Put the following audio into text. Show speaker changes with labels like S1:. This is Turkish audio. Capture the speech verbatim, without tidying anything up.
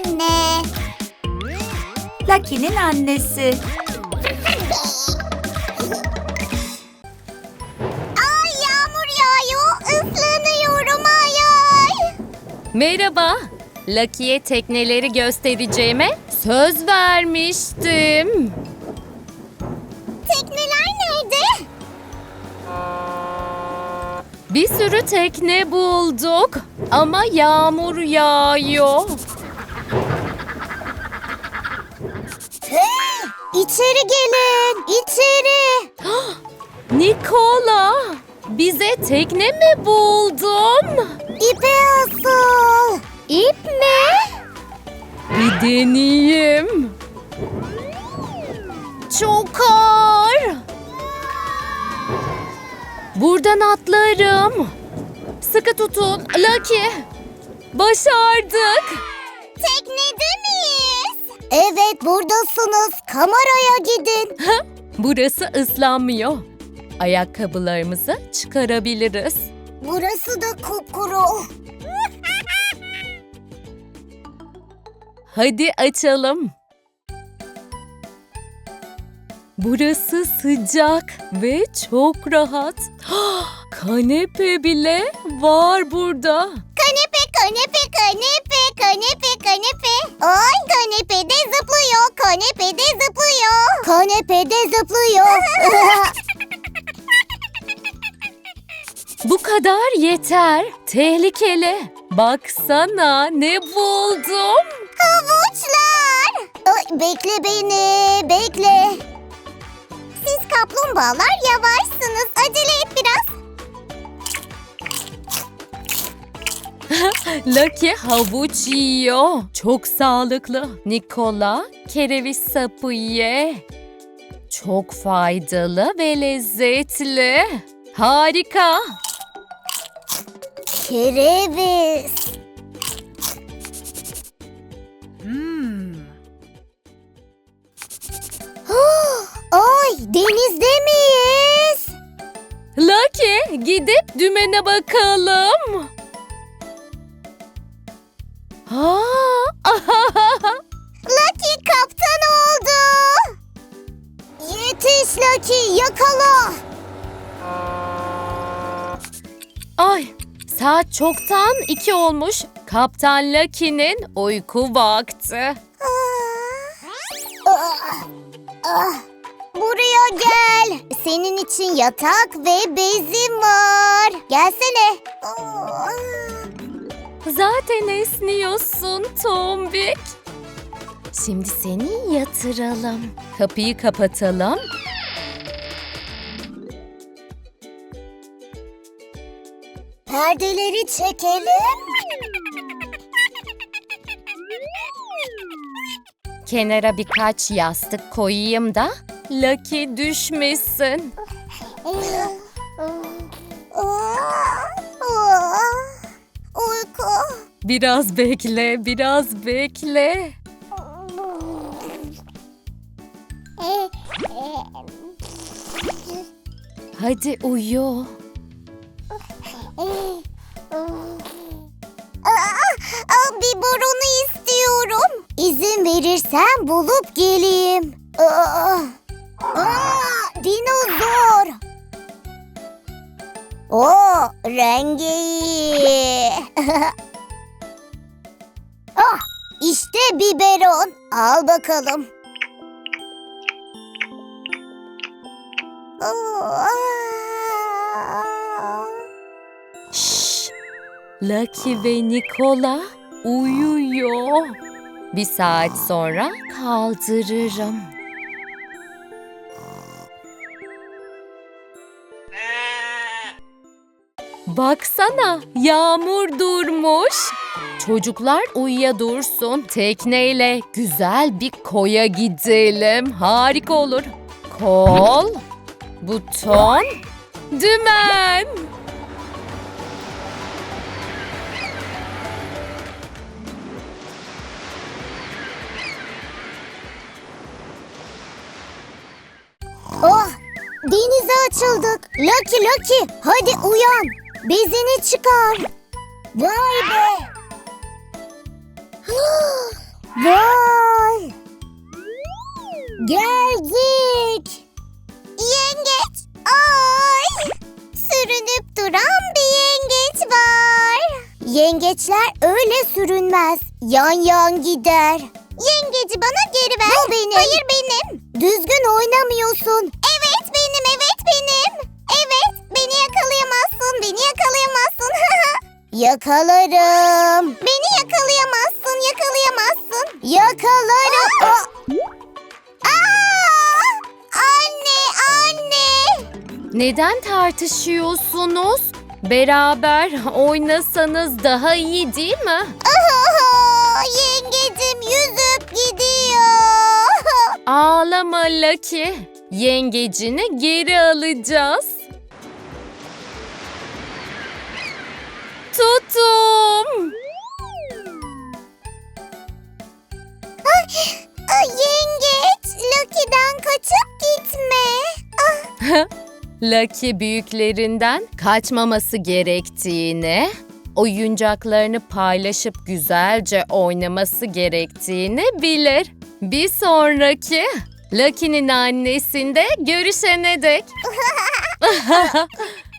S1: anne.
S2: Lucky'nin annesi.
S1: Ay yağmur yağıyor, ıslanıyorum ay ay.
S3: Merhaba. Lucky'ye tekneleri göstereceğime söz vermiştim.
S1: Tekneler nerede?
S3: Bir sürü tekne bulduk ama yağmur yağıyor.
S1: Hey, içeri gelin, içeri.
S3: Nikola, bize tekne mi buldun?
S1: İpe asıl. İp mi?
S3: Bir deneyeyim. Çok ağır. Buradan atlarım. Sıkı tutun, Lucky. Başardık.
S1: Teknede miyiz? Evet, buradasınız. Kameraya gidin.
S3: Burası ıslanmıyor. Ayakkabılarımızı çıkarabiliriz.
S1: Burası da kupkuru.
S3: Hadi açalım. Burası sıcak ve çok rahat. Kanepe bile var burada.
S1: Kanepe, kanepe, kanepe, kanepe, kanepe. Ay kanepede zıplıyor, kanepede zıplıyor. Kanepede zıplıyor.
S3: Bu kadar yeter. Tehlikeli. Baksana ne buldum.
S1: Havuçlar. Ay, bekle beni, bekle. Siz kaplumbağalar yavaşsınız. Acele et biraz.
S3: Lucky havuç yiyor. Çok sağlıklı. Nikola kereviz sapı ye. Çok faydalı ve lezzetli. Harika.
S1: Kereviz. Ay, denizde miyiz?
S3: Lucky gidip dümene bakalım. Ha,
S1: Lucky kaptan oldu. Yetiş Lucky, yakala.
S3: Ay, saat çoktan iki olmuş. Kaptan Lucky'nin uyku vakti.
S1: Ah, ah, buraya gel. Senin için yatak ve bezim var. Gelsene. Ah.
S3: Zaten esniyorsun Tombik. Şimdi seni yatıralım. Kapıyı kapatalım.
S1: Perdeleri çekelim.
S3: Kenara birkaç yastık koyayım da Lucky düşmesin.
S1: Uyku.
S3: Biraz bekle, biraz bekle. Hadi uyu.
S1: Aa, biberonu istiyorum. İzin verirsen bulup geleyim. Aa, aa, dinozor. Oo, rengi iyi. Ah, işte biberon. Al bakalım. Aa.
S3: Şşş. Lucky ve Nikola uyuyor. Bir saat sonra kaldırırım. Baksana, yağmur durmuş. Çocuklar uyuya dursun. Tekneyle güzel bir koya gidelim. Harika olur. Kol, buton, dümen.
S1: Oh, denize açıldık. Lucky Lucky, hadi uyan. Bezini çıkar. Vay be. Vay! Geldik. Yengeç. Ay! Sürünüp duran bir yengeç var. Yengeçler öyle sürünmez. Yan yan gider. Yengeci bana geri ver. Bu benim. Hayır benim. Düzgün oynamıyorsun. Evet benim, evet benim. Evet, beni yakalayamazsın, beni yakalayamazsın. Yakalarım. Beni yakalayamazsın, yakalayamazsın. Yakalarım. Aa! Aa! Anne, anne.
S3: Neden tartışıyorsunuz? Beraber oynasanız daha iyi değil mi?
S1: Aha, yengecim yüzüp gidiyor.
S3: Ağlama Lucky. Yengecini geri alacağız. Tuttum.
S1: Ay, yengeç, Lucky'den kaçıp gitme. Ah,
S3: Lucky büyüklerinden kaçmaması gerektiğini, oyuncaklarını paylaşıp güzelce oynaması gerektiğini bilir. Bir sonraki Lucky'nin annesinde görüşene dek.